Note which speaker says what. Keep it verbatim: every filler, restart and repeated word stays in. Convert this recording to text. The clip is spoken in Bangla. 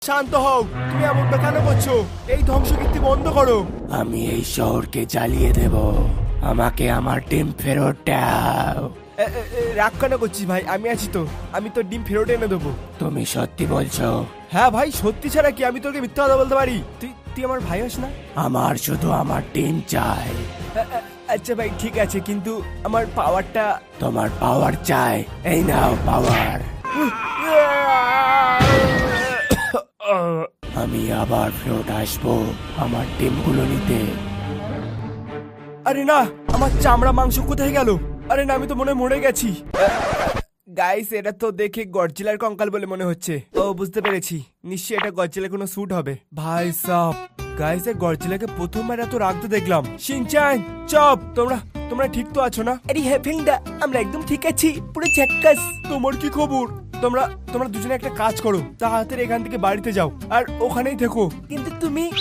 Speaker 1: শান্ত হও, তুমি এমনটা কেন করছো? এই ধ্বংসকীর্তি বন্ধ করো।
Speaker 2: আমি এই শহরকে জ্বালিয়ে দেব, আমাকে আমার ডিম ফেরত দাও।
Speaker 1: এ, এ, এ, রাগ কেন করছিস ভাই? আমি আছি তো, আমি তোর ডিম ফেরত এনে দেবো।
Speaker 2: তুমি সত্যি বলছো?
Speaker 1: হ্যাঁ ভাই, সত্যি ছাড়া কি আমি তোকে মিথ্যা কথা বলতে পারি? তুই তুই আমার ভাই হোস না?
Speaker 2: আমার শুধু আমার ডিম চাই।
Speaker 1: এ, এ, আচ্ছা ভাই ঠিক আছে, কিন্তু আমার পাওয়ারটা।
Speaker 2: তোমার পাওয়ার চাই, এই নাও পাওয়ার। আমি আবার ফেরত আসবো আমার ডিমগুলো নিতে।
Speaker 1: আরে না, আমার চামড়া মাংস কোথায় গেল? আরে না, আমি তো মনে হয় মরে গেছি। গাইস, এটা তো দেখে গডজিলার কঙ্কাল বলে মনে হচ্ছে। ও বুঝতে পেরেছি, নিশ্চয়ই এটা গডজিলার কোনো স্যুট হবে। ভাই সাব, গাইস এর গডজিলাকে প্রথমবার এত রাখতে দেখলাম। শিনচান, চপ, তোমরা তোমরা ঠিক তো আছো না? আরে হ্যাঁ ফিংদা, আমরা একদম ঠিক আছি, পুরো ঝাক্কাস। তোমার কি খবর? তোমরা তোমরা দুজনে একটা কাজ করো, তাড়াতাড়ি এখান থেকে বাড়িতে যাও আর ওখানেই থেকো। কিন্তু তুমি